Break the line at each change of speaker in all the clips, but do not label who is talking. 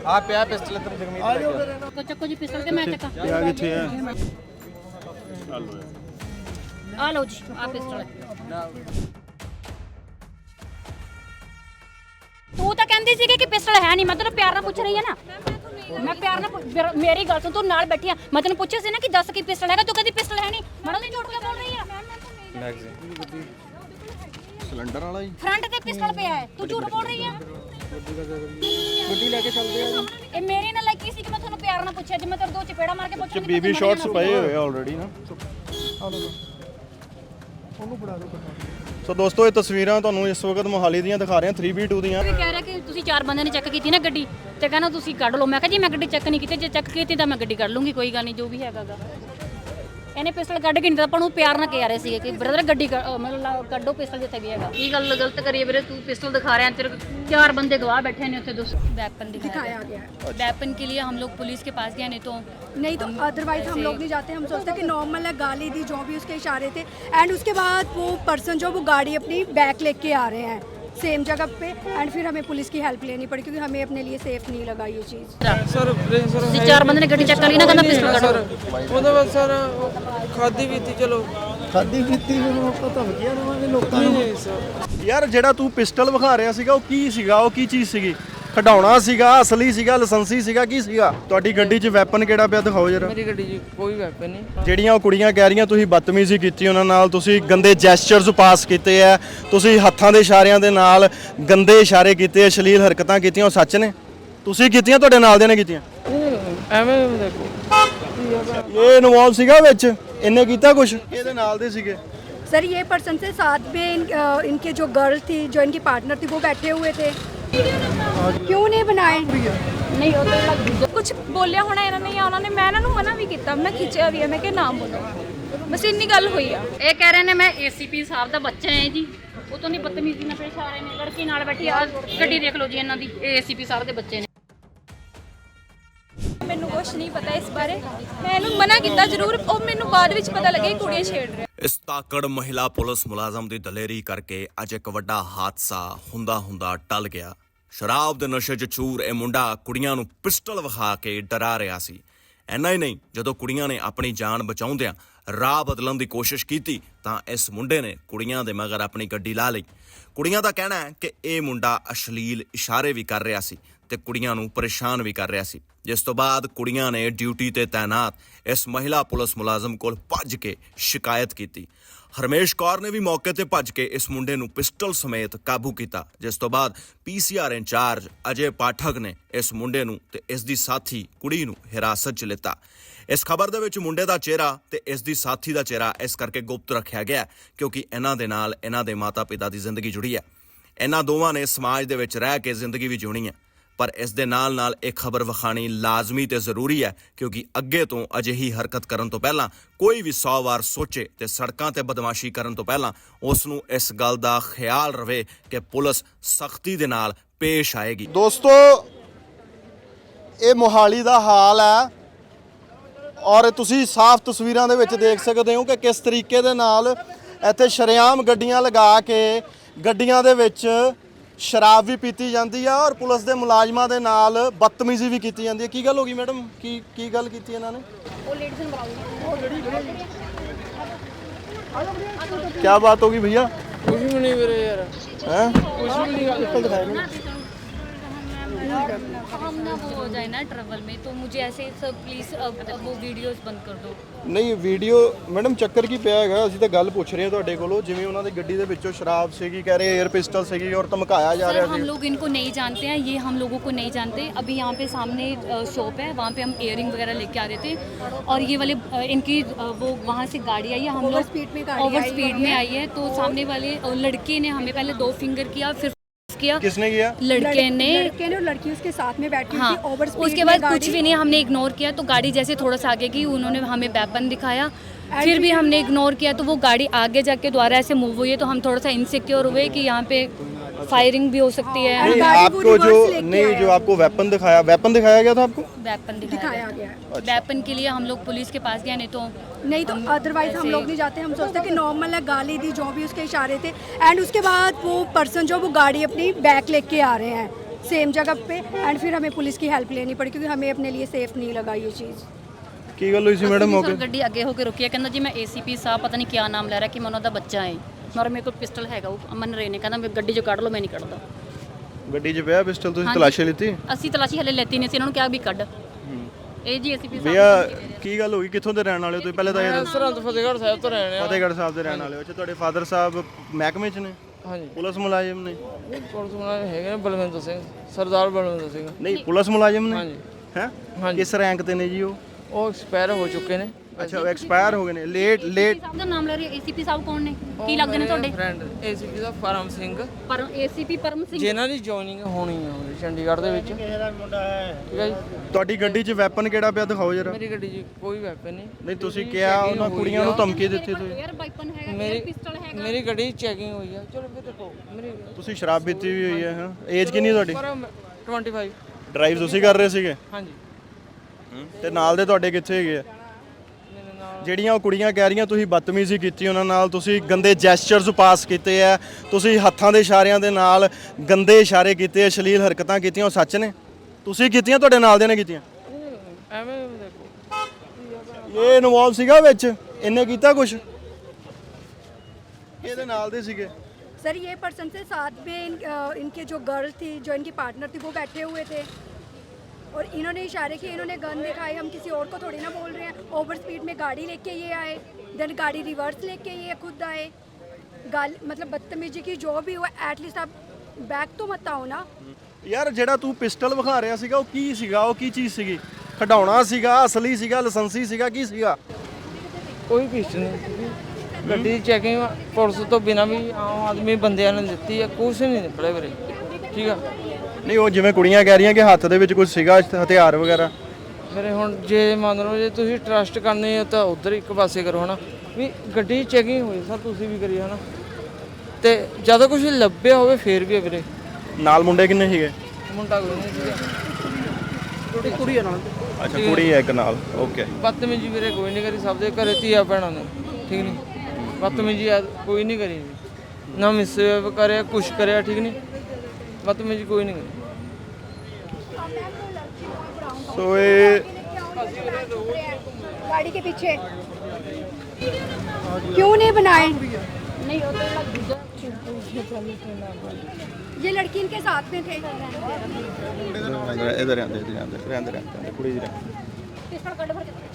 ਆ ਪਿਆ ਪਿਸਟਲ ਤੇ ਜਗਮੀਤ
को चक्को जी पिस्टल के मैं चक्का
ਪਿਆ ਕਿੱਥੇ ਹੈ
आ लो जी आ पिस्टल तू तो कहती सी कि पिस्टल है नहीं मैं तेन प्यार नाल पूछ रही है ना मैं प्यार नाल मेरी गल सुन तू नाल बैठी है मैं तेन पूछा सी ना कि दस की पिस्टल है तू कहती पिस्टल है नहीं मड़ा नहीं झूठ क्यों बोल रही है
मैगजीन
ਸਿਲੰਡਰ ਵਾਲਾ ਹੀ
फ्रंट ते पिस्टल पे है तू झूठ बोल रही है
ਗੱਡੀ ਲੈ ਕੇ ਚੱਲਦੇ ਆ
ਇਹ ਮੇਰੇ ਨਾਲ ਲੱਗੀ ਸੀ ਕਿ ਮੈਂ ਤੁਹਾਨੂੰ ਪਿਆਰ ਨਾਲ ਪੁੱਛਿਆ ਜੇ ਮੈਂ ਤੇਰੇ ਦੋ ਚਪੇੜਾ ਮਾਰ ਕੇ ਪੁੱਛਾਂ
ਬੇਬੀ ਸ਼ਾਟਸ ਪਏ ਹੋਏ ਆ ਆਲਰੇਡੀ ਨਾ
ਉਹਨੂੰ ਫੜਾ ਦੋ
ਸੋ ਦੋਸਤੋ ਇਹ ਤਸਵੀਰਾਂ ਤੁਹਾਨੂੰ ਇਸ ਵਕਤ ਮੋਹਾਲੀ ਦੀਆਂ ਦਿਖਾ ਰਹੇ ਹਾਂ 3v2 ਦੀਆਂ
ਵੀ ਕਹਿ ਰਿਹਾ ਕਿ ਤੁਸੀਂ ਚਾਰ ਬੰਦਿਆਂ ਨੇ ਚੈੱਕ ਕੀਤੀ ਨਾ ਗੱਡੀ ਤੇ ਕਹਿੰਦਾ ਤੁਸੀਂ ਕੱਢ ਲਓ ਮੈਂ ਕਿਹਾ ਜੀ ਮੈਂ ਗੱਡੀ ਚੈੱਕ ਨਹੀਂ ਕੀਤੀ ਜੇ ਚੈੱਕ ਕੀਤੀ ਤਾਂ ਮੈਂ ਗੱਡੀ ਕੱਢ ਲੂੰਗੀ ਕੋਈ ਗੱਲ ਨਹੀਂ ਜੋ ਵੀ ਹੈਗਾਗਾ ਇਹਨੇ ਪਿਸਟਲ ਕੱਢ ਕੇ ਨਹੀਂ ਤਾਂ ਆਪਾਂ ਨੂੰ ਪਿਆਰ ਨਾਲ ਕਹਿ ਰਹੇ ਸੀਗੇ ਕਿ ਬ੍ਰਦਰ ਗੱਡੀ ਮਤਲਬ ਕੱਢੋ ਪਿਸਟਲ ਜਿੱਥੇ ਵੀ ਹੈਗਾ ਕੀ ਗੱਲ ਗਲਤ ਕਰੀਏ ਵੀਰੇ ਤੂੰ ਪਿਸਟਲ ਦਿਖਾ ਰਿਹਾ ਤੇਰੇ ਚਾਰ ਬੰਦੇ ਗਵਾਹ बैठे ने उसे वेपन दिखाया गया वेपन के लिए हम लोग पुलिस के पास गए नहीं तो
अदरवाइज हम लोग नहीं जाते हम सोचते कि नॉर्मल है गाली दी जो भी उसके इशारे थे एंड उसके बाद वो पर्सन जो वो गाड़ी अपनी बैक लेके आ रहे हैं सेम जगह पे एंड फिर हमें पुलिस की हेल्प लेनी पड़ी क्योंकि हमें अपने लिए सेफ नहीं लगा ये चीज़
ਸਰ
ਤੁਸੀਂ ਚਾਰ ਬੰਦੇ ਨੇ ਗੱਡੀ ਚੈੱਕ ਕਰ ਲਈ ਨਾ ਕਹਿੰਦਾ ਪਿਸਟਲ ਕੱਢੋ
ਉਹਦੇ ਬਾਅਦ ਸਰ ਖਾਦੀ ਪੀਤੀ ਚਲੋ
ਖਾਦੀ ਪੀਤੀ ਨੂੰ ਆਪਾਂ ਧਮਕੀਆਂ ਦੇਵਾਂਗੇ ਲੋਕਾਂ
ਨਹੀਂ ਨਹੀਂ ਸਰ
ਯਾਰ ਜਿਹੜਾ ਤੂੰ ਪਿਸਟਲ ਵਿਖਾ ਰਿਹਾ ਸੀਗਾ ਉਹ ਕੀ ਸੀਗਾ ਉਹ ਕੀ ਚੀਜ਼ ਸੀਗੀ ਖਡਾਉਣਾ ਸੀਗਾ ਅਸਲੀ ਸੀਗਾ ਲਾਇਸੈਂਸੀ ਸੀਗਾ ਕੀ ਸੀਗਾ ਤੁਹਾਡੀ ਗੱਡੀ 'ਚ ਵੈਪਨ ਕਿਹੜਾ ਪਿਆ ਦਿਖਾਓ ਜਰਾ
ਮੇਰੀ ਗੱਡੀ 'ਚ ਕੋਈ ਵੈਪਨ ਨਹੀਂ
ਜਿਹੜੀਆਂ ਉਹ ਕੁੜੀਆਂ ਕਹਿ ਰਹੀਆਂ ਤੁਸੀਂ ਬਦਤਮੀਜ਼ੀ ਕੀਤੀ ਉਹਨਾਂ ਨਾਲ ਤੁਸੀਂ ਗੰਦੇ ਜੈਸਚਰਸ ਪਾਸ ਕੀਤੇ ਆ ਤੁਸੀਂ ਹੱਥਾਂ ਦੇ ਇਸ਼ਾਰਿਆਂ ਦੇ ਨਾਲ ਗੰਦੇ ਇਸ਼ਾਰੇ ਕੀਤੇ ਅਸ਼ਲੀਲ ਹਰਕਤਾਂ ਕੀਤੀਆਂ ਉਹ ਸੱਚ ਨੇ ਤੁਸੀਂ ਕੀਤੀਆਂ ਤੁਹਾਡੇ ਨਾਲ ਦੇ ਨੇ ਕੀਤੀਆਂ
ਐਵੇਂ ਦੇਖੋ
ਇਹ ਇਨਵੋਲਵ ਸੀਗਾ ਵਿੱਚ ਇਹਨੇ ਕੀਤਾ ਕੁਝ ਇਹਦੇ ਨਾਲ ਦੇ ਸੀਗੇ
सर ये पर्सन से साथ में इनके जो गर्ल थी जो इनकी पार्टनर थी वो बैठे हुए थे क्यों नहीं बनाए
ਨਹੀਂ ਉਹ ਤਾਂ
ਕੁਝ ਬੋਲਿਆ ਹੋਣਾ ਇਹਨਾਂ ਨੇ ਜਾਂ ਉਹਨਾਂ ਨੇ ਮੈਂ ਇਹਨਾਂ ਨੂੰ ਮਨਾ ਵੀ ਕੀਤਾ ਮੈਂ ਖਿੱਚਿਆ ਵੀ ਹੈ ਮੈਂ ਕਿਹਾ ਨਾ ਬੋਲੋ ਬਸ ਇੰਨੀ ਗੱਲ ਹੋਈ ਆ
ਇਹ ਕਹਿ ਰਹੇ ਨੇ ਮੈਂ ਏਸੀਪੀ ਸਾਹਿਬ ਦਾ ਬੱਚਾ ਹੈ ਜੀ ਉਹ ਤੋਂ ਨਹੀਂ ਬਦਤਮੀਜ਼ੀ ਨਾਲ ਪੇਸ਼ ਆ ਰਹੇ ਨੇ ਲੜਕੀ ਨਾਲ ਬੈਠੀ ਆ ਗੱਡੀ ਦੇਖ ਲਓ ਜੀ ਇਹਨਾਂ ਦੀ ਏਸੀਪੀ ਸਾਹਿਬ ਦੇ ਬੱਚੇ ਨੇ
ਮੈਨੂੰ ਕੁਝ ਨਹੀਂ ਪਤਾ ਇਸ ਬਾਰੇ ਮੈਂ ਇਹਨੂੰ ਮਨਾ ਕੀਤਾ ਜ਼ਰੂਰ ਉਹ ਮੈਨੂੰ ਬਾਅਦ ਵਿੱਚ ਪਤਾ ਲੱਗਿਆ ਕਿ ਕੁੜੀਆਂ ਛੇੜ ਰਹੇ
ਇਸ ਤਾਕੜ ਮਹਿਲਾ ਪੁਲਿਸ ਮੁਲਾਜ਼ਮ ਦੀ ਦਲੇਰੀ ਕਰਕੇ ਅੱਜ ਇੱਕ ਵੱਡਾ ਹਾਦਸਾ ਹੁੰਦਾ ਟਲ ਗਿਆ। ਸ਼ਰਾਬ ਦੇ ਨਸ਼ੇ 'ਚ ਚੂਰ ਇਹ ਮੁੰਡਾ ਕੁੜੀਆਂ ਨੂੰ ਪਿਸਟਲ ਵਿਖਾ ਕੇ ਡਰਾ ਰਿਹਾ ਸੀ। ਇੰਨਾ ਹੀ ਨਹੀਂ, ਜਦੋਂ ਕੁੜੀਆਂ ਨੇ ਆਪਣੀ ਜਾਨ ਬਚਾਉਂਦਿਆਂ ਰਾਹ ਬਦਲਣ ਦੀ ਕੋਸ਼ਿਸ਼ ਕੀਤੀ ਤਾਂ ਇਸ ਮੁੰਡੇ ਨੇ ਕੁੜੀਆਂ ਦੇ ਮਗਰ ਆਪਣੀ ਗੱਡੀ ਲਾ ਲਈ। ਕੁੜੀਆਂ ਦਾ ਕਹਿਣਾ ਹੈ ਕਿ ਇਹ ਮੁੰਡਾ ਅਸ਼ਲੀਲ ਇਸ਼ਾਰੇ ਵੀ ਕਰ ਰਿਹਾ ਸੀ ਤੇ ਕੁੜੀਆਂ ਨੂੰ ਪਰੇਸ਼ਾਨ ਵੀ ਕਰ ਰਿਹਾ ਸੀ, ਜਿਸ ਤੋਂ ਬਾਅਦ ਕੁੜੀਆਂ ਨੇ ਡਿਊਟੀ ਤੇ ਤਾਇਨਾਤ ਇਸ ਮਹਿਲਾ ਪੁਲਿਸ ਮੁਲਾਜ਼ਮ ਕੋਲ ਭੱਜ ਕੇ ਸ਼ਿਕਾਇਤ ਕੀਤੀ। ਹਰਮੇਸ਼ ਕੌਰ ਨੇ ਵੀ ਮੌਕੇ ਤੇ ਭੱਜ ਕੇ ਇਸ ਮੁੰਡੇ ਨੂੰ ਪਿਸਟਲ ਸਮੇਤ ਕਾਬੂ ਕੀਤਾ, ਜਿਸ ਤੋਂ ਬਾਅਦ ਪੀਸੀਆਰ ਇੰਚਾਰਜ ਅਜੇ ਪਾਠਕ ਨੇ ਇਸ ਮੁੰਡੇ ਨੂੰ ਤੇ ਇਸ ਦੀ ਸਾਥੀ ਕੁੜੀ ਨੂੰ ਹਿਰਾਸਤ 'ਚ ਲਿੱਤਾ। ਇਸ ਖਬਰ ਦੇ ਵਿੱਚ ਮੁੰਡੇ ਦਾ ਚਿਹਰਾ ਤੇ ਇਸ ਦੀ ਸਾਥੀ ਦਾ ਚਿਹਰਾ ਇਸ ਕਰਕੇ ਗੁਪਤ ਰੱਖਿਆ ਗਿਆ ਕਿਉਂਕਿ ਇਹਨਾਂ ਦੇ ਨਾਲ ਇਹਨਾਂ ਦੇ ਮਾਤਾ-ਪਿਤਾ ਦੀ ਜ਼ਿੰਦਗੀ ਜੁੜੀ ਹੈ। ਇਹਨਾਂ ਦੋਵਾਂ ਨੇ ਸਮਾਜ ਦੇ ਵਿੱਚ ਰਹਿ ਕੇ ਜ਼ਿੰਦਗੀ ਵੀ ਜਿਉਣੀ ਹੈ, ਪਰ ਇਸ ਦੇ ਨਾਲ ਇਹ ਖਬਰ ਵਿਖਾਣੀ ਲਾਜ਼ਮੀ ਤੇ ਜ਼ਰੂਰੀ ਹੈ ਕਿਉਂਕਿ ਅੱਗੇ ਤੋਂ ਅਜਿਹੀ ਹਰਕਤ ਕਰਨ ਤੋਂ ਪਹਿਲਾਂ ਕੋਈ ਵੀ 100 ਵਾਰ ਸੋਚੇ ਤੇ ਸੜਕਾਂ ਤੇ ਬਦਮਾਸ਼ੀ ਕਰਨ ਤੋਂ ਪਹਿਲਾਂ ਉਸ ਨੂੰ ਇਸ ਗੱਲ ਦਾ ਖਿਆਲ ਰਵੇ ਕਿ ਪੁਲਿਸ ਸਖਤੀ ਦੇ ਨਾਲ ਪੇਸ਼ ਆਏਗੀ।
ਦੋਸਤੋ ਇਹ ਮੋਹਾਲੀ ਦਾ ਹਾਲ ਹੈ ਔਰ ਤੁਸੀਂ ਸਾਫ਼ ਤਸਵੀਰਾਂ ਦੇ ਵਿੱਚ ਦੇਖ ਸਕਦੇ ਹੋ ਕਿ ਕਿਸ ਤਰੀਕੇ ਦੇ ਨਾਲ ਇੱਥੇ ਸ਼ਰੇਆਮ ਗੱਡੀਆਂ ਲਗਾ ਕੇ ਗੱਡੀਆਂ ਦੇ ਵਿੱਚ ਸ਼ਰਾਬ ਵੀ ਪੀਤੀ ਜਾਂਦੀ ਆ ਔਰ ਪੁਲਿਸ ਦੇ ਮੁਲਾਜ਼ਮਾਂ ਦੇ ਨਾਲ ਬਦਤਮੀਜ਼ੀ ਵੀ ਕੀਤੀ ਜਾਂਦੀ ਹੈ। ਕੀ ਗੱਲ ਹੋ ਗਈ ਮੈਡਮ, ਕੀ ਗੱਲ ਕੀਤੀ ਇਹਨਾਂ ਨੇ?
ਉਹ ਲੇਡੀਜ਼ ਨੂੰ
ਕੀ ਬਾਤ ਹੋ ਗਈ ਭਈਆ?
ਕੁਝ ਵੀ ਨਹੀਂ ਵੀਰੇ ਯਾਰ
हैं
ਕੁਝ ਵੀ नहीं
हम ना वो हो जाए ना ट्रैवल में तो मुझे ऐसे सब प्लीज वो वीडियोस बंद कर दो।
ਨਹੀਂ ਵੀਡੀਓ ਮੈਡਮ ਚੱਕਰ ਕੀ ਪਿਆ ਹੈਗਾ, ਅਸੀਂ ਤਾਂ ਗੱਲ ਪੁੱਛ ਰਹੇ ਹਾਂ ਤੁਹਾਡੇ ਕੋਲੋਂ। ਜਿਵੇਂ ਉਹਨਾਂ ਦੀ ਗੱਡੀ ਦੇ ਵਿੱਚੋਂ ਸ਼ਰਾਬ ਸੀਗੀ, ਕਹਿ ਰਹੇ 에ਅਰ ਪਿਸਟਲ ਸੀਗੀ ਔਰ ਧਮਕਾਇਆ ਜਾ ਰਿਹਾ
सर
ਸੀ।
हम लोग इनको नहीं जानते हैं, ये हम लोगों को नहीं जानते। अभी यहाँ पे सामने शॉप है, वहाँ पे हम इयरिंग वगैरह लेके आ रहे थे और ये वाले इनकी वो वहाँ से गाड़ी आई है, हम लोग ओवर स्पीड में आई है तो सामने वाले लड़के ने हमें पहले 2 फिंगर किया फिर किया।
किसने किया?
लड़के ने
और लड़की उसके साथ में बैठी
हाँ,
थी ओवर स्पीड
उसके बाद कुछ भी नहीं, हमने इग्नोर किया तो गाड़ी जैसे थोड़ा सा आगे की उन्होंने हमें वेपन दिखाया फिर भी हमने इग्नोर किया तो वो गाड़ी आगे जाके दोबारा ऐसे मूव हुई है तो हम थोड़ा सा इनसिक्योर हुए कि यहाँ पे फायरिंग भी हो सकती है।
नहीं, आपको जो आपको वेपन दिखाया गया था आपको?
वेपन दिखाया गया। वेपन के लिए हम लोग पुलिस के पास गए नहीं तो
अदरवाइज हम लोग नहीं जाते हम सोचते कि नॉर्मल है गाली दी जो भी उसके इशारे थे एंड उसके बाद वो पर्सन जो वो गाड़ी अपनी बैक लेके आ रहे हैं सेम जगह पे एंड फिर हमें पुलिस की हेल्प लेनी पड़ी क्योंकि हमें अपने लिए सेफ नहीं लगा ये चीज़।
ਕੀ ਗੱਲ ਹੋਈ ਸੀ ਮੈਡਮ
ਅਸੀਂ
ਮੌਕੇ
ਸਰ ਗੱਡੀ ਅੱਗੇ ਹੋ ਕੇ ਰੁਕੀ ਹੈ, ਕਹਿੰਦਾ ਜੀ ਮੈਂ ਏਸੀਪੀ ਸਾਹਿਬ ਪਤਾ ਨਹੀਂ ਕਿਆ ਨਾਮ ਲੈ ਰਿਹਾ ਕਿ ਮੈਂ ਉਹਨਾਂ ਦਾ ਬੱਚਾ ਹੈ, ਮਰ ਮੇਰੇ ਕੋਲ ਪਿਸਟਲ ਹੈਗਾ, ਉਹ ਅਮਨ ਰੇ ਨੇ ਕਹਿੰਦਾ ਮੈਂ ਗੱਡੀ 'ਚ ਕੱਢ ਲਓ, ਮੈਂ ਨਹੀਂ ਕੱਢਦਾ।
ਗੱਡੀ 'ਚ ਪਿਆ ਪਿਸਟਲ, ਤੁਸੀਂ
ਹਾਂਜੀ।
ਤਲਾਸ਼ੀ ਲਿੱਤੀ?
ਅਸੀਂ ਤਲਾਸ਼ੀ ਹਲੇ ਲੈਤੀ ਨਹੀਂ ਸੀ, ਇਹਨਾਂ ਨੂੰ ਕਿਹਾ ਵੀ ਕੱਢ। ਇਹ ਜੀ ਏਸੀਪੀ ਸਾਹਿਬ
ਭਈਆ ਕੀ ਗੱਲ ਹੋਈ, ਕਿੱਥੋਂ ਦੇ ਰਹਿਣ ਵਾਲੇ ਹੋ ਤੁਸੀਂ? ਪਹਿਲੇ ਤਾਂ ਇਹ ਦੱਸੋ।
ਸਰਹੰਦ ਫਤਿਹਗੜ੍ਹ ਸਾਹਿਬ ਤੋਂ ਰਹਿਣੇ ਆ।
ਫਤਿਹਗੜ੍ਹ ਸਾਹਿਬ ਦੇ ਰਹਿਣ ਵਾਲੇ ਹੋ। ਅੱਛਾ, ਤੁਹਾਡੇ ਫਾਦਰ ਸਾਹਿਬ ਮਹਿਕਮੇ 'ਚ ਨੇ,
ਹਾਂਜੀ
ਪੁਲਿਸ ਮੁਲਾਜ਼ਮ ਨੇ?
ਪੁਲਿਸ ਮੁਲਾਜ਼ਮ ਹੈਗੇ ਨੇ, ਬਲਵਿੰਦਰ ਸਿੰਘ, ਸਰਦਾਰ ਬਲਵਿੰਦਰ ਸਿੰਘ।
ਨਹੀਂ, ਪੁਲਿਸ ਮੁਲਾਜ਼ਮ ਨੇ?
ਹਾਂਜੀ
ਹੈ
ਹਾਂਜੀ।
ਕਿਸ ਰੈਂਕ ਤੇ ਨੇ ਜੀ ਉਹ?
ਉਹ ਐਕਸਪਾਇਰ ਹੋ ਚੁੱਕੇ ਨੇ।
ਅੱਛਾ, ਉਹ ਐਕਸਪਾਇਰ ਹੋ ਗਏ ਨੇ। ਲੇਟ
ਸਾਹਿਬ ਦਾ ਨਾਮ ਲੈ ਰਹੀ ਏਸੀਪੀ ਸਾਹਿਬ ਕੌਣ ਨੇ, ਕੀ ਲੱਗਦੇ ਨੇ ਤੁਹਾਡੇ?
ਫਰੈਂਡ ਏਸੀਪੀ ਦਾ ਪਰਮ ਸਿੰਘ,
ਪਰ ਏਸੀਪੀ ਪਰਮ ਸਿੰਘ
ਜਿਨ੍ਹਾਂ ਦੀ ਜੁਆਇਨਿੰਗ ਹੋਣੀ ਆ ਹੁਣ ਚੰਡੀਗੜ੍ਹ ਦੇ ਵਿੱਚ। ਠੀਕ ਹੈ ਜੀ।
ਤੁਹਾਡੀ ਗੱਡੀ 'ਚ ਵੈਪਨ ਕਿਹੜਾ ਪਿਆ, ਦਿਖਾਓ ਜਰਾ।
ਮੇਰੀ ਗੱਡੀ 'ਚ ਕੋਈ ਵੈਪਨ ਨਹੀਂ।
ਨਹੀਂ, ਤੁਸੀਂ ਕਿਹਾ ਉਹਨਾਂ ਕੁੜੀਆਂ ਨੂੰ ਧਮਕੀ ਦਿੱਤੀ ਤੁਸੀਂ।
에ਅਰ ਵਾਈਪਨ ਹੈਗਾ,
ਮੇਰੀ
ਪਿਸਟਲ ਹੈਗਾ।
ਮੇਰੀ ਗੱਡੀ ਚੈਕਿੰਗ ਹੋਈ ਆ। ਚਲੋ ਫਿਰ ਦੇਖੋ ਮੇਰੀ
ਤੁਸੀਂ ਸ਼ਰਾਬ ਪੀਤੀ ਵੀ ਹੋਈ ਹੈ? ਹਾਂ। ਏਜ ਕਿੰਨੀ ਤੁਹਾਡੀ?
ਪਰ 25।
ਡਰਾਈਵ ਤੁਸੀਂ ਕਰ ਰਹੇ ਸੀਗੇ?
ਹਾਂਜੀ।
ਤੇ ਨਾਲ ਦੇ ਤੁਹਾਡੇ ਕਿੱਥੇ ਹੈਗੇ ਆ?
ਮੇਰੇ ਨਾਲ
ਜਿਹੜੀਆਂ ਉਹ ਕੁੜੀਆਂ ਕਹਿ ਰਹੀਆਂ ਤੁਸੀਂ ਬਦਤਮੀਜ਼ੀ ਕੀਤੀ ਉਹਨਾਂ ਨਾਲ, ਤੁਸੀਂ ਗੰਦੇ ਜੈਸਚਰਸ ਪਾਸ ਕੀਤੇ ਆ, ਤੁਸੀਂ ਹੱਥਾਂ ਦੇ ਇਸ਼ਾਰਿਆਂ ਦੇ ਨਾਲ ਗੰਦੇ ਇਸ਼ਾਰੇ ਕੀਤੇ ਆ, ਅਸ਼ਲੀਲ ਹਰਕਤਾਂ ਕੀਤੀਆਂ, ਉਹ ਸੱਚ ਨੇ? ਤੁਸੀਂ ਕੀਤੀਆਂ, ਤੁਹਾਡੇ ਨਾਲ ਦੇ ਨੇ ਕੀਤੀਆਂ?
ਐਵੇਂ ਦੇਖੋ
ਇਹ ਇਨਵੋਲਵ ਸੀਗਾ ਵਿੱਚ? ਇਹਨੇ ਕੀਤਾ ਕੁਝ? ਇਹਦੇ ਨਾਲ ਦੇ ਸੀਗੇ?
सर ये पर्सन से साथ में इनके जो गर्ल थी, जो इनकी पार्टनर थी, वो बैठे हुए थे और इन्होंने इशारे किए, इन्होंने गन दिखाए। हम किसी और को थोड़ी ना बोल रहे हैं। ओवर स्पीड में गाड़ी लेके ये आए, देन गाड़ी रिवर्स लेके ये खुद आए। मतलब बदतमीजी की जो भी हुआ, एटलीस्ट आप बैक तो मत आओ ना।
ਯਾਰ ਜਿਹੜਾ ਤੂੰ ਪਿਸਟਲ ਵਿਖਾ ਰਿਹਾ ਸੀਗਾ ਉਹ ਕੀ ਸੀਗਾ? ਉਹ ਕੀ ਚੀਜ਼ ਸੀਗੀ? ਖਡਾਉਣਾ ਸੀਗਾ, ਅਸਲੀ ਸੀਗਾ, ਲਾਇਸੈਂਸੀ ਸੀਗਾ, ਕੀ ਸੀਗਾ?
ਕੋਈ ਪਿਸਟਲ ਨਹੀਂ। ਗੱਡੀ ਦੀ ਚੈਕਿੰਗ ਪੁਲਿਸ ਤੋਂ ਬਿਨਾਂ ਵੀ ਆਮ ਆਦਮੀ ਬੰਦਿਆਂ ਨੇ ਦਿੱਤੀ ਆ, ਕੁਛ ਨਹੀਂ ਨਿਕਲੇ ਵੀਰੇ। ਠੀਕ ਆ।
ਨਹੀਂ, ਉਹ ਜਿਵੇਂ ਕੁੜੀਆਂ ਕਹਿ ਰਹੀਆਂ ਕਿ ਹੱਥ ਦੇ ਵਿੱਚ ਕੁਝ ਸੀਗਾ, ਹਥਿਆਰ ਵਗੈਰਾ।
ਮੇਰੇ ਹੁਣ ਜੇ ਮੰਨ ਲਓ ਜੇ ਤੁਸੀਂ ਟਰਸਟ ਕਰਨੇ ਹੋ ਤਾਂ ਉਧਰ ਇੱਕ ਪਾਸੇ ਕਰੋ ਹਨਾ, ਵੀ ਗੱਡੀ ਚੈਕਿੰਗ ਹੋਈ ਸਰ, ਤੁਸੀਂ ਵੀ ਕਰੀ ਹਨਾ, ਤੇ ਜਦੋਂ ਕੁਝ ਲੱਭਿਆ ਹੋਵੇ ਫੇਰ ਵੀ ਆ ਵੀਰੇ।
ਨਾਲ ਮੁੰਡੇ ਕਿੰਨੇ ਸੀਗੇ?
ਮੁੰਡਾ ਕੋਈ ਨਹੀਂ ਸੀਗਾ, ਕੁੜੀ ਆ ਨਾਲ।
ਅੱਛਾ, ਕੁੜੀ ਹੈ ਇੱਕ ਨਾਲ। ਓਕੇ।
ਬਦਤਮੀਜੀ ਵੀਰੇ ਕੋਈ ਨਹੀਂ ਕਰੀ, ਸਭ ਦੇ ਘਰੇ ਧੀਆ ਭੈਣਾਂ ਨੇ। ਠੀਕ ਨਹੀਂ, ਬਦਤਮੀਜੀ ਕੋਈ ਨਹੀਂ ਕਰੀ, ਨਾ ਮਿਸਬਿਹੇਵ ਕਰਿਆ, ਕੁਛ ਕਰਿਆ। ਠੀਕ ਨਹੀਂ, ਬਦਤਮੀਜੀ ਕੋਈ ਨਹੀਂ ਕਰੀ।
ਸੋ ਇਹ
गाड़ी के पीछे क्यों नहीं बनाए?
ਨਹੀਂ ਉਹ ਤਾਂ ਦੂਜਾ
ये लड़की इनके साथ में थे।
ਇਧਰ ਰਹਿੰਦੇ ਕੁੜੀ ਦੀ
ਪਿਸਟਲ ਕੱਢ ਭਰ ਕੇ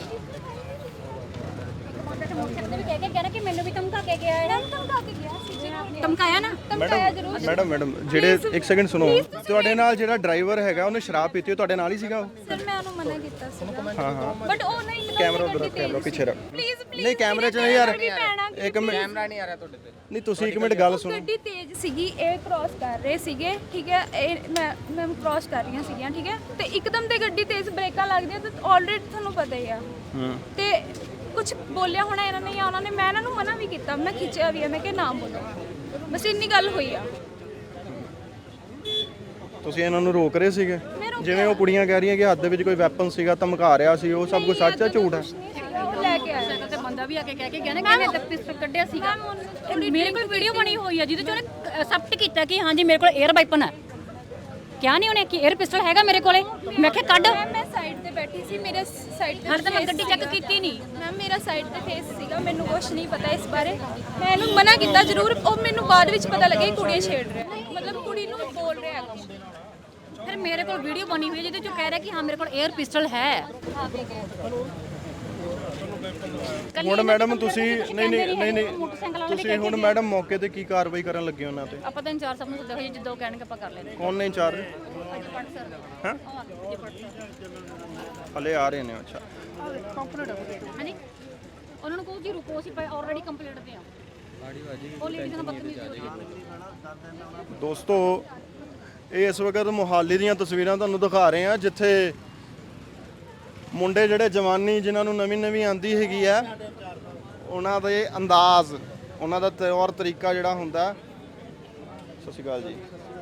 ਮੋਟਰਸਾਈਕਲ ਵੀ ਕਹਿ ਕੇ ਗਿਆ ਨਾ ਕਿ ਮੈਨੂੰ ਵੀ ਧਮਕਾ ਕੇ ਗਿਆ ਹੈ। ਧਮਕਾ ਕੇ ਗਿਆ ਸੀ ਜੀ, ਧਮਕਾਇਆ ਨਾ, ਧਮਕਾਇਆ ਜ਼ਰੂਰ।
ਮੈਡਮ ਜਿਹੜੇ ਇੱਕ ਸੈਕਿੰਡ ਸੁਣੋ, ਤੁਹਾਡੇ ਨਾਲ ਜਿਹੜਾ ਡਰਾਈਵਰ ਹੈਗਾ ਉਹਨੇ ਸ਼ਰਾਬ ਪੀਤੀ, ਉਹ ਤੁਹਾਡੇ ਨਾਲ ਹੀ ਸੀਗਾ ਉਹ?
ਸਰ ਮੈਂ ਉਹਨੂੰ ਮਨਾ ਕੀਤਾ ਸੀ।
ਹਾਂ ਹਾਂ।
ਬਟ ਉਹ ਨਹੀਂ ਮੈਨੂੰ
ਕੈਮਰਾ ਉਧਰ, ਕੈਮਰਾ ਪਿੱਛੇ ਰੱਖ।
ਪਲੀਜ਼
ਨਹੀਂ, ਕੈਮਰੇ 'ਚ ਨਹੀਂ ਯਾਰ। ਇੱਕ ਮਿੰਟ,
ਕੈਮਰਾ ਨਹੀਂ ਆ ਰਿਹਾ ਤੁਹਾਡੇ ਤੇ।
ਨਹੀਂ ਤੁਸੀਂ ਇੱਕ ਮਿੰਟ ਗੱਲ ਸੁਣੋ।
ਗੱਡੀ ਤੇਜ਼ ਸੀਗੀ, ਇਹ ਕ੍ਰਾਸ ਕਰ ਰਹੇ ਸੀਗੇ। ਠੀਕ ਹੈ, ਇਹ ਮੈਂ ਕ੍ਰਾਸ ਕਰ ਰਹੀਆਂ ਸੀਗੀਆਂ। ਠੀਕ ਹੈ, ਤੇ ਇੱਕਦਮ ਤੇ ਗੱਡੀ ਤੇਜ਼ ਬ੍ਰੇਕਾਂ ਲੱਗਦੀਆਂ ਤੇ ਆਲਰੇਡੀ ਤੁਹਾਨੂੰ ਪਤਾ ਹੀ ਆ। ਤੇ ਕੁਝ ਬੋਲਿਆ ਹੋਣਾ ਇਹਨਾਂ ਨੇ, ਜਾਂ ਉਹਨਾਂ ਨੇ, ਮੈਂ ਇਹਨਾਂ ਨੂੰ ਮਨਾ ਵੀ ਕੀਤਾ, ਮੈਂ ਖਿੱਚਿਆ ਵੀ ਹੈ, ਮੈਂ ਕਿਹਾ ਨਾ ਬੋਲੋ, ਬਸ ਇੰਨੀ ਗੱਲ ਹੋਈ ਆ।
ਤੁਸੀਂ ਇਹਨਾਂ ਨੂੰ ਰੋਕ ਰਹੇ ਸੀਗੇ? ਜਿਵੇਂ ਉਹ ਕੁੜੀਆਂ ਕਹਿ ਰਹੀਆਂ ਕਿ ਹੱਥ ਦੇ ਵਿੱਚ ਕੋਈ ਵੈਪਨ ਸੀਗਾ, ਧਮਕਾ ਰਿਹਾ ਸੀ, ਉਹ ਸਭ ਕੁਝ ਸੱਚ ਹੈ ਝੂਠ ਹੈ?
ਉਹ ਲੈ ਕੇ ਆਇਆ
ਸਾਈਕਲ ਤੇ ਬੰਦਾ ਵੀ ਆ ਕੇ ਕਹਿ ਕੇ ਗਿਆ ਨਾ ਕਿ ਇਹਨੇ ਪਿਸਟਲ ਕੱਢਿਆ ਸੀਗਾ। ਮੇਰੇ ਕੋਲ ਵੀਡੀਓ ਬਣੀ ਹੋਈ ਆ ਜਿਹਦੇ ਚ ਉਹਨੇ ਅਸੈਪਟ ਕੀਤਾ ਕਿ ਹਾਂਜੀ ਮੇਰੇ ਕੋਲ 에ਅਰ ਵਾਈਪਨ ਹੈ। ਕਿਹਾ ਨਹੀਂ ਉਹਨੇ ਕਿ 에ਅਰ ਪਿਸਟਲ ਹੈਗਾ ਮੇਰੇ ਕੋਲੇ। ਮੈਂ ਕਿਹਾ ਕੱਢ।
ਮੈਂ ਸਾਈਡ ਤੇ ਬੈਠੀ ਸੀ, ਮੇਰੇ ਸਾਈਡ ਤੇ
ਹਾਲੇ ਤਾਂ ਮੈਂ ਗੱਡੀ ਚੈੱਕ ਕੀਤੀ ਨਹੀਂ।
ਮੈਮ ਮੇਰਾ ਸਾਈਡ ਤੇ ਫੇਸ ਸੀਗਾ, ਮੈਨੂੰ ਕੁਝ ਨਹੀਂ ਪਤਾ ਇਸ ਬਾਰੇ। ਮੈਂ ਇਹਨੂੰ ਮਨਾ ਕੀਤਾ ਜ਼ਰੂਰ, ਉਹ ਮੈਨੂੰ ਬਾਅਦ ਵਿੱਚ ਪਤਾ ਲੱਗਿਆ ਕਿ ਕੁੜੀਆਂ ਛੇੜ ਰਿਹਾ, ਮਤਲਬ ਕੁੜੀ ਨੂੰ ਬੋਲ ਰਿਹਾ ਅੱਗੋਂ।
ਫਿਰ ਮੇਰੇ ਕੋਲ ਵੀਡੀਓ ਬਣੀ ਹੋਈ ਹੈ ਜਿਹਦੇ ਚ ਕਹਿ ਰਿਹਾ ਕਿ ਹਾਂ ਮੇਰੇ ਕੋਲ 에ਅਰ ਪਿਸਟਲ ਹੈ।
ਹੁਣ ਮੈਡਮ ਤੁਸੀਂ ਨਹੀਂ ਤੁਸੀਂ ਹੁਣ ਮੈਡਮ ਮੌਕੇ ਤੇ ਕੀ ਕਾਰਵਾਈ ਕਰਨ ਲੱਗੇ ਉਹਨਾਂ ਤੇ?
ਆਪਾਂ ਤਾਂ ਇੰਚਾਰਜ ਸਾਹਿਬ ਨੂੰ ਸੱਦਿਆ ਹੋਇਆ, ਜਿੱਦਾਂ ਉਹ ਕਹਿਣਗੇ ਆਪਾਂ ਕਰ ਲੈਂਦੇ
ਕੌਣ ਨੇ ਇੰਚਾਰਜ?
ਹਾਂ।
ਹਲੇ ਆ ਰਹੇ ਨੇ? ਅੱਛਾ,
ਹਾਂਜੀ, ਉਹਨਾਂ ਨੂੰ ਕਹੋ ਜੀ ਰੁਕੋ, ਅਸੀਂ ਆਲਰੇਡੀ ਕੰਪਲੀਟ ਤੇ ਆ। ਉਹ ਲੇਡੀ ਨਾਲ ਬਦਤਮੀਜ਼ੀ ਹੋ ਰਹੀ ਹੈ।
ਦੋਸਤੋ, ਇਹ ਇਸ ਵਕਤ ਮੁਹਾਲੀ ਦੀਆਂ ਤਸਵੀਰਾਂ ਤੁਹਾਨੂੰ ਦਿਖਾ ਰਹੇ ਹਾਂ, ਜਿੱਥੇ ਮੁੰਡੇ ਜਿਹੜੇ ਜਵਾਨੀ ਜਿਨ੍ਹਾਂ ਨੂੰ ਨਵੀਂ ਆਂਦੀ ਹੈਗੀ ਆ, ਉਹਨਾਂ ਦੇ ਅੰਦਾਜ਼, ਉਹਨਾਂ ਦਾ ਤੌਰ ਤਰੀਕਾ ਜਿਹੜਾ ਹੁੰਦਾ। ਸਤਿ ਸ਼੍ਰੀ ਅਕਾਲ ਜੀ।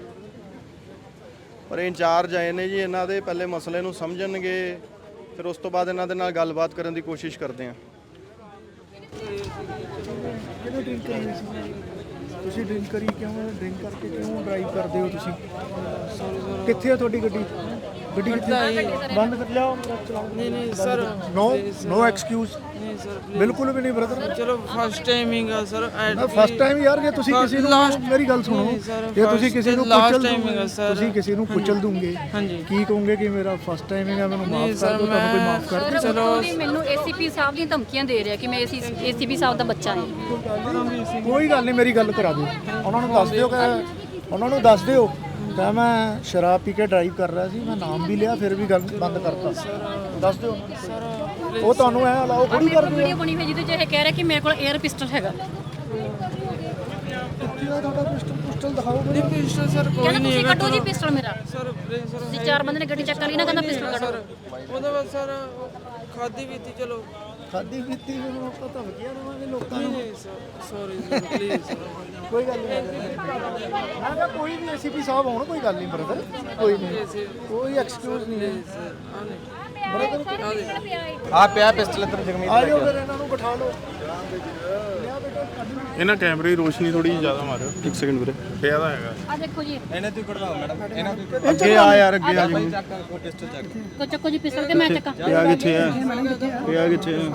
ਪਰ ਇੰਚਾਰਜ ਆਏ ਨੇ ਜੀ, ਇਹਨਾਂ ਦੇ ਪਹਿਲੇ ਮਸਲੇ ਨੂੰ ਸਮਝਣਗੇ, ਫਿਰ ਉਸ ਤੋਂ ਬਾਅਦ ਇਹਨਾਂ ਦੇ ਨਾਲ ਗੱਲਬਾਤ ਕਰਨ ਦੀ ਕੋਸ਼ਿਸ਼ ਕਰਦੇ ਹਾਂ।
ਤੁਸੀਂ ਡਰਿੰਕ ਕਰਕੇ ਕਿਉਂ ਡਰਾਈਵ ਕਰਦੇ ਹੋ ਤੁਸੀਂ? ਕਿੱਥੇ ਆ ਤੁਹਾਡੀ ਗੱਡੀ? ਗੱਡੀ ਕਿੱਥੇ? ਬੰਦ ਕਰ ਲਿਆਓ, ਚਲਾਓ।
ਨਹੀਂ ਸਰ,
ਨੋ ਐਕਸਕਿਊਜ਼।
ਨਹੀਂ ਸਰ
ਬਿਲਕੁਲ ਵੀ ਨਹੀਂ ਬ੍ਰਦਰ।
ਚਲੋ ਫਸਟ ਟਾਈਮ ਹੀਗਾ ਸਰ।
ਫਸਟ ਟਾਈਮ ਯਾਰ, ਜੇ ਤੁਸੀਂ ਕਿਸੇ ਨੂੰ ਮੇਰੀ ਗੱਲ ਸੁਣੋ, ਜੇ ਤੁਸੀਂ ਕਿਸੇ ਨੂੰ ਕੁਚਲ ਦੋਗੇ, ਤੁਸੀਂ ਕਿਸੇ ਨੂੰ ਕੁਚਲ ਦੋਗੇ, ਕੀ ਕਹੋਗੇ ਕਿ ਮੇਰਾ ਫਸਟ ਟਾਈਮ ਹੈਗਾ, ਮੈਨੂੰ ਮਾਫ ਕਰ ਦਿਓ, ਤੁਹਾਨੂੰ ਕੋਈ ਮਾਫ ਕਰ ਦੇ?
ਚਲੋ ਮੈਨੂੰ ਏਸੀਪੀ ਸਾਹਿਬ ਦੀਆਂ ਧਮਕੀਆਂ ਦੇ ਰਿਹਾ ਕਿ ਮੈਂ ਏਸੀਪੀ ਸਾਹਿਬ ਦਾ ਬੱਚਾ ਹਾਂ।
ਕੋਈ ਗੱਲ ਨਹੀਂ, ਮੇਰੀ ਗੱਲ ਕਰਾ ਦਿਓ, ਉਹਨਾਂ ਨੂੰ ਦੱਸ ਦਿਓ ਕਿ ਮੈਂ ਸ਼ਰਾਬ ਪੀ ਕੇ ਡਰਾਈਵ ਕਰ ਰਿਹਾ ਸੀ, ਮੈਂ ਨਾਮ ਵੀ ਲਿਆ, ਫਿਰ ਵੀ ਗੱਲ ਬੰਦ ਕਰਤਾ। ਦੱਸ ਦਿਓ, ਉਹ ਤੁਹਾਨੂੰ ਐ ਅਲਾਓ ਥੋੜੀ ਕਰਦੇ ਆ।
ਵੀਡੀਓ ਬਣੀ ਹੋਈ ਜਿਹਦੇ 'ਚ ਇਹ ਕਹਿ ਰਿਹਾ ਕਿ ਮੇਰੇ ਕੋਲ 에ਅਰ ਪਿਸਟਲ ਹੈਗਾ।
ਕਿੱਥੇ ਆ ਤੁਹਾਡਾ ਪਿਸਟਲ ਦਿਖਾਓ ਮੈਨੂੰ।
ਪਿਸਟਲ ਸਰ ਕੋਈ
ਕਹਿੰਦਾ
ਨਹੀਂ
ਤੁਸੀਂ ਕੱਢੋ ਜੀ ਪਿਸਟਲ ਮੇਰਾ।
ਸਰ ਪਲੀਜ਼ ਸਰ,
ਤੁਸੀਂ 4 ਬੰਦੇ ਨੇ ਗੱਡੀ ਚੱਕ ਲਈ ਨਾ, ਕਹਿੰਦਾ ਪਿਸਟਲ ਕੱਢੋ।
ਉਹਦੇ ਬਾਅਦ ਸਰ ਖਾਦੀ ਪੀਤੀ, ਚਲੋ
ਖਾਦੀ ਪੀਤੀ ਨੂੰ ਆਪਾਂ ਧਮਕੀਆਂ ਦੇਵਾਂਗੇ ਲੋਕਾਂ ਨੂੰ?
ਨਹੀਂ sir, sorry sir, please sir.
ਕੋਈ ਗੱਲ ਨਹੀਂ, ਮੈਂ ਕਿਹਾ ਕੋਈ ਵੀ ਏਸੀਪੀ ਸਾਹਿਬ ਆਉਣ, ਕੋਈ ਗੱਲ ਨਹੀਂ ਬ੍ਰਦਰ, ਕੋਈ ਨਹੀਂ, ਕੋਈ ਐਕਸਕਿਊਜ਼ ਨਹੀਂ ਹੈ
ਆ ਪਿਆ ਪਿਸਟਲ ਇੱਧਰ ਜਗਮੀਤ
ਆ ਜਾਓ, ਫਿਰ ਇਹਨਾਂ ਨੂੰ ਬਿਠਾ ਲਓ।
ਇਹਨਾਂ ਕੈਮਰੇ ਦੀ ਰੋਸ਼ਨੀ ਥੋੜੀ ਜ਼ਿਆਦਾ ਮਾਰਿਓ। ਇੱਕ ਸੈਕਿੰਡ ਵੀਰੇ, ਪਿਆ ਦਾ ਹੈਗਾ।
ਆ ਦੇਖੋ ਜੀ,
ਅੱਗੇ ਆ ਯਾਰ, ਅੱਗੇ ਆ ਜੀ।
ਕੋ ਚੱਕੋ ਜੀ ਪਿਸਟਲ, ਤੇ ਮੈਂ ਚੱਕਾਂ।
ਪਿਆ ਕਿੱਥੇ ਹੈ? ਪਿਆ ਕਿੱਥੇ ਹੈ?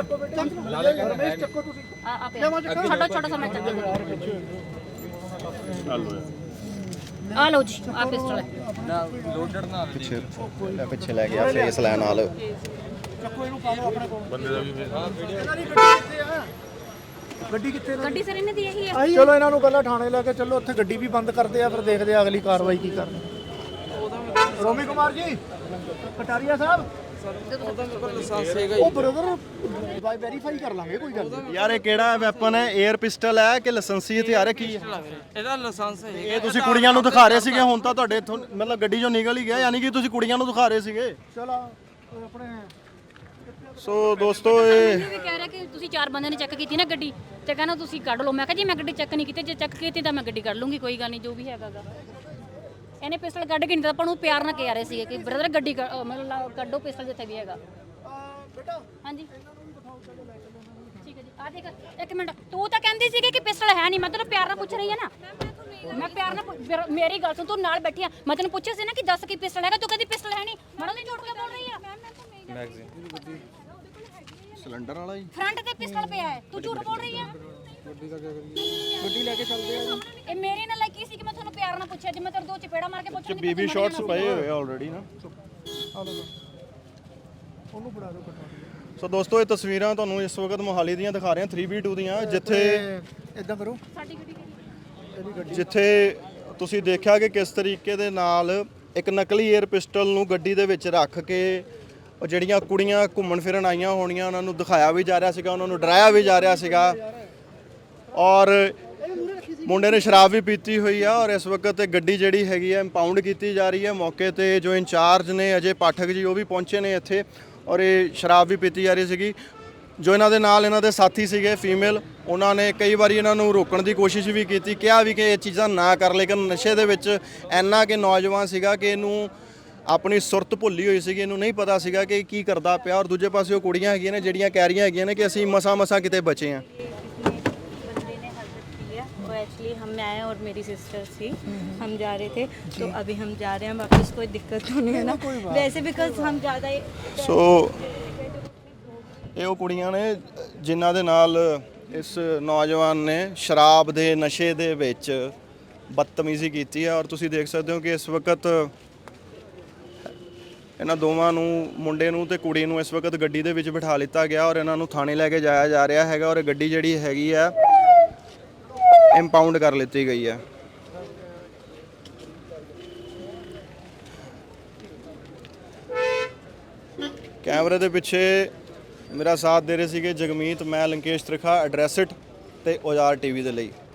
ਆ ਪਿਆ, ਛੋਟਾ ਸਾ ਮੈਂ ਚੱਕਾਂ। ਆ ਲਓ ਜੀ, ਆ ਪਿਸਟਲ ਹੈ।
ਪਿੱਛੇ ਲੈ ਗਿਆ ਫੇਸ ਲੈਣ ਨਾਲ।
ਬੰਦੇ ਦਾ ਵੀ
ਗੱਡੀ ਕਿੱਥੇ?
ਗੱਡੀ ਸਰ ਇਹਨੇ ਦੀ ਇਹੀ ਹੈ।
ਚਲੋ ਇਹਨਾਂ ਨੂੰ ਪਹਿਲਾਂ ਥਾਣੇ ਲੈ ਕੇ ਚੱਲੋ, ਉੱਥੇ ਗੱਡੀ ਵੀ ਬੰਦ ਕਰਦੇ ਆ, ਫਿਰ ਦੇਖਦੇ ਆ ਅਗਲੀ ਕਾਰਵਾਈ ਕੀ ਕਰਨੀ। ਰੋਮੀ ਕੁਮਾਰ ਜੀ, ਕਟਾਰੀਆ ਸਾਹਿਬ,
ਉਹਦਾ ਮੇਰੇ ਕੋਲ ਲਾਇਸੈਂਸ ਹੈਗਾ
ਉਹ ਬ੍ਰਦਰ ਵੈਰੀਫਾਈ ਕਰ ਲਾਂਗੇ, ਕੋਈ ਗੱਲ ਨਹੀਂ।
ਯਾਰ ਇਹ ਕਿਹੜਾ ਵੈਪਨ ਹੈ? 에ਅਰ ਪਿਸਟਲ ਹੈ ਕਿ ਲਾਇਸੈਂਸੀ ਹਥਿਆਰ ਹੈ, ਕੀ ਹੈ?
ਇਹਦਾ ਲਾਇਸੈਂਸ ਹੈ।
ਇਹ ਤੁਸੀਂ ਕੁੜੀਆਂ ਨੂੰ ਦਿਖਾ ਰਹੇ ਸੀਗੇ, ਹੁਣ ਤਾਂ ਤੁਹਾਡੇ ਇੱਥੋਂ ਮਤਲਬ ਗੱਡੀ ਚੋਂ ਨਿਕਲ ਹੀ ਗਿਆ, ਯਾਨੀ ਕਿ ਤੁਸੀਂ ਕੁੜੀਆਂ ਨੂੰ ਦਿਖਾ ਰਹੇ ਸੀਗੇ।
ਚਲੋ ਆਪਣੇ
ਸੋ ਦੋਸਤੋ, ਇਹ
ਵੀ ਕਹਿ ਰਿਹਾ ਕਿ ਤੁਸੀਂ 4 ਬੰਦੇ ਨੇ ਚੈੱਕ ਕੀਤੀ ਨਾ ਗੱਡੀ, ਤੇ ਕਹਿੰਦਾ ਤੁਸੀਂ ਕੱਢ ਲਓ। ਮੈਂ ਕਿਹਾ ਜੀ ਮੈਂ ਗੱਡੀ ਚੈੱਕ ਨਹੀਂ ਕੀਤੀ, ਜੇ ਚੈੱਕ ਕੀਤੀ ਤਾਂ ਮੈਂ ਗੱਡੀ ਕੱਢ ਲੂੰਗੀ, ਕੋਈ ਗੱਲ ਨਹੀਂ, ਜੋ ਵੀ ਹੈਗਾਗਾ। ਇਹਨੇ ਪਿਸਟਲ ਕੱਢ ਕੇ ਨਹੀਂ ਤਾਂ ਆਪਾਂ ਨੂੰ ਪਿਆਰ ਨਾਲ ਕਹਿ ਰਹੇ ਸੀਗੇ ਕਿ ਬ੍ਰਦਰ ਗੱਡੀ ਮਤਲਬ ਕੱਢੋ ਪਿਸਟਲ ਜਿੱਥੇ ਵੀ ਹੈਗਾ।
ਬੇਟਾ
ਹਾਂਜੀ ਠੀਕ ਹੈ ਜੀ। ਆ ਦੇਖ, ਇੱਕ ਮਿੰਟ, ਤੂੰ ਤਾਂ ਕਹਿੰਦੀ ਸੀਗੀ ਕਿ ਪਿਸਟਲ ਹੈ ਨਹੀਂ, ਮੈਂ ਤੈਨੂੰ ਪਿਆਰ ਨਾਲ ਪੁੱਛ ਰਹੀ ਹਾਂ ਨਾ। ਮੈਂ ਪਿਆਰ ਨਾਲ, ਮੇਰੀ ਗੱਲ ਸੁਣ, ਤੂੰ ਨਾਲ ਬੈਠੀ ਆ, ਮੈਂ ਤੈਨੂੰ ਪੁੱਛਿਆ ਸੀ ਨਾ ਕਿ ਦੱਸ ਕੀ ਪਿਸਟਲ ਹੈਗਾ, ਤੂੰ ਕਹਿੰਦੀ ਪਿਸਟਲ ਹੈ ਨਹੀਂ। ਮੈਨੂੰ ਨਹੀਂ ਝੂਠ ਕੇ ਬੋਲ ਰਹੀ ਆ।
ਮੈਗਜ਼ੀਨ ਸਿਲੰਡਰ ਵਾਲਾ ਹੀ
ਫਰੰਟ ਤੇ ਪਿਸਟਲ ਪਿਆ ਹੈ, ਤੂੰ ਝੂਠ ਬੋਲ ਰਹੀ ਆ।
ਗੱਡੀ ਲੈ ਕੇ ਚੱਲਦੇ ਆ।
ਇਹ ਮੇਰੇ ਨਾਲ ਲਾਇਕੀ ਸੀ ਕਿ ਮੈਂ ਤੁਹਾਨੂੰ ਪਿਆਰ ਨਾਲ ਪੁੱਛਿਆ, ਜੇ ਮੈਂ ਤੇਰੇ ਦੋ ਚਪੇੜਾ ਮਾਰ ਕੇ ਪੁੱਛਾਂਗੀ ਤਾਂ
ਬੀਬੀ ਸ਼ਾਟਸ ਪਏ ਹੋਏ ਆਲਰੇਡੀ ਨਾ।
ਉਹਨੂੰ ਫੜਾ ਦਿਓ, ਕਟਾ।
ਸੋ ਦੋਸਤੋ, ਇਹ ਤਸਵੀਰਾਂ ਤੁਹਾਨੂੰ ਇਸ ਵਕਤ ਮੋਹਾਲੀ ਦੀਆਂ ਦਿਖਾ ਰਹੇ ਹਾਂ, 3v2 ਦੀਆਂ, ਜਿੱਥੇ
ਇਦਾਂ ਕਰੋ,
ਸਾਡੀ ਗੱਡੀ
ਜਿੱਥੇ ਤੁਸੀਂ ਦੇਖਿਆ ਕਿ ਕਿਸ ਤਰੀਕੇ ਦੇ ਨਾਲ ਇੱਕ ਨਕਲੀ 에ਅਰ ਪਿਸਟਲ ਨੂੰ ਗੱਡੀ ਦੇ ਵਿੱਚ ਰੱਖ ਕੇ ਉਹ ਜਿਹੜੀਆਂ ਕੁੜੀਆਂ ਘੁੰਮਣ ਫਿਰਨ ਆਈਆਂ ਹੋਣੀਆਂ ਉਹਨਾਂ ਨੂੰ ਦਿਖਾਇਆ ਵੀ ਜਾ ਰਿਹਾ ਸੀਗਾ, ਉਹਨਾਂ ਨੂੰ ਡਰਾਇਆ ਵੀ ਜਾ ਰਿਹਾ ਸੀਗਾ। ਔਰ ਮੁੰਡੇ ਨੇ ਸ਼ਰਾਬ ਵੀ ਪੀਤੀ ਹੋਈ ਆ, ਔਰ ਇਸ ਵਕਤ ਇਹ ਗੱਡੀ ਜਿਹੜੀ ਹੈਗੀ ਹੈ ਇੰਪਾਊਂਡ ਕੀਤੀ ਜਾ ਰਹੀ ਹੈ। ਮੌਕੇ ਤੇ ਜੋ ਇੰਚਾਰਜ ਨੇ ਅਜੇ ਪਾਠਕ ਜੀ, ਉਹ ਵੀ ਪਹੁੰਚੇ ਨੇ ਇੱਥੇ, ਔਰ ਇਹ ਸ਼ਰਾਬ ਵੀ ਪੀਤੀ ਜਾ ਰਹੀ ਸੀਗੀ। ਜੋ ਇਹਨਾਂ ਦੇ ਨਾਲ ਇਹਨਾਂ ਦੇ ਸਾਥੀ ਸੀਗੇ ਫੀਮੇਲ, ਉਹਨਾਂ ਨੇ ਕਈ ਵਾਰੀ ਇਹਨਾਂ ਨੂੰ ਰੋਕਣ ਦੀ ਕੋਸ਼ਿਸ਼ ਵੀ ਕੀਤੀ, ਕਿਹਾ ਵੀ ਕਿ ਇਹ ਚੀਜ਼ਾਂ ਨਾ ਕਰ, ਲੇਕਿਨ ਨਸ਼ੇ ਦੇ ਵਿੱਚ ਇੰਨਾ ਕਿ ਨੌਜਵਾਨ ਸੀਗਾ ਕਿ ਇਹਨੂੰ ਆਪਣੀ ਸੁਰਤ ਭੁੱਲੀ ਹੋਈ ਸੀਗੀ, ਇਹਨੂੰ ਨਹੀਂ ਪਤਾ ਸੀਗਾ ਕਿ ਕੀ ਕਰਦਾ ਪਿਆ। ਔਰ ਦੂਜੇ ਪਾਸੇ ਉਹ ਕੁੜੀਆਂ ਹੈਗੀਆਂ ਨੇ ਜਿਹੜੀਆਂ ਕਹਿ ਰਹੀਆਂ ਹੈਗੀਆਂ ਨੇ ਕਿ ਅਸੀਂ ਮਸਾਂ ਕਿਤੇ ਬਚੇ ਹਾਂ।
बंदे ने हरकत की है, वो एक्चुअली हम में आए और मेरी सिस्टर थी, हम जा रहे थे, तो अभी हम जा रहे हैं वापस, कोई दिक्कत तो नहीं है ना वैसे, बिकॉज हम ज़्यादा
ਸੋ ਇਹ ਉਹ ਕੁੜੀਆਂ ਨੇ ਜਿਨ੍ਹਾਂ ਦੇ ਨਾਲ ਇਸ ਨੌਜਵਾਨ ਨੇ ਸ਼ਰਾਬ ਦੇ ਨਸ਼ੇ ਦੇ ਵਿੱਚ ਬਦਤਮੀਜ਼ੀ ਕੀਤੀ ਹੈ। ਔਰ ਤੁਸੀਂ ਦੇਖ ਸਕਦੇ ਹੋ ਕਿ ਇਸ ਵਕਤ ਇਹਨਾਂ ਦੋਵਾਂ ਨੂੰ, ਮੁੰਡੇ ਨੂੰ ਤੇ ਕੁੜੀ ਨੂੰ, ਇਸ ਵਕਤ ਗੱਡੀ ਦੇ ਵਿੱਚ ਬਿਠਾ ਲਿੱਤਾ ਗਿਆ ਔਰ ਇਹਨਾਂ ਨੂੰ ਥਾਣੇ ਲੈ ਕੇ ਜਾਇਆ ਜਾ ਰਿਹਾ ਹੈਗਾ। ਔਰ ਗੱਡੀ ਜਿਹੜੀ ਹੈਗੀ ਆ ਇੰਪਾਊਂਡ ਕਰ ਲਿੱਤੀ ਗਈ ਹੈ। ਕੈਮਰੇ ਦੇ ਪਿੱਛੇ ਮੇਰਾ ਸਾਥ ਦੇ ਰਹੇ ਸੀਗੇ ਜਗਮੀਤ, ਮੈਂ ਲੰਕੇਸ਼ ਤ੍ਰਿਖਾ, ਐਡਰੈਸ ਇਟ ਤੇ ਔਜ਼ਾਰ ਟੀਵੀ ਦੇ ਲਈ।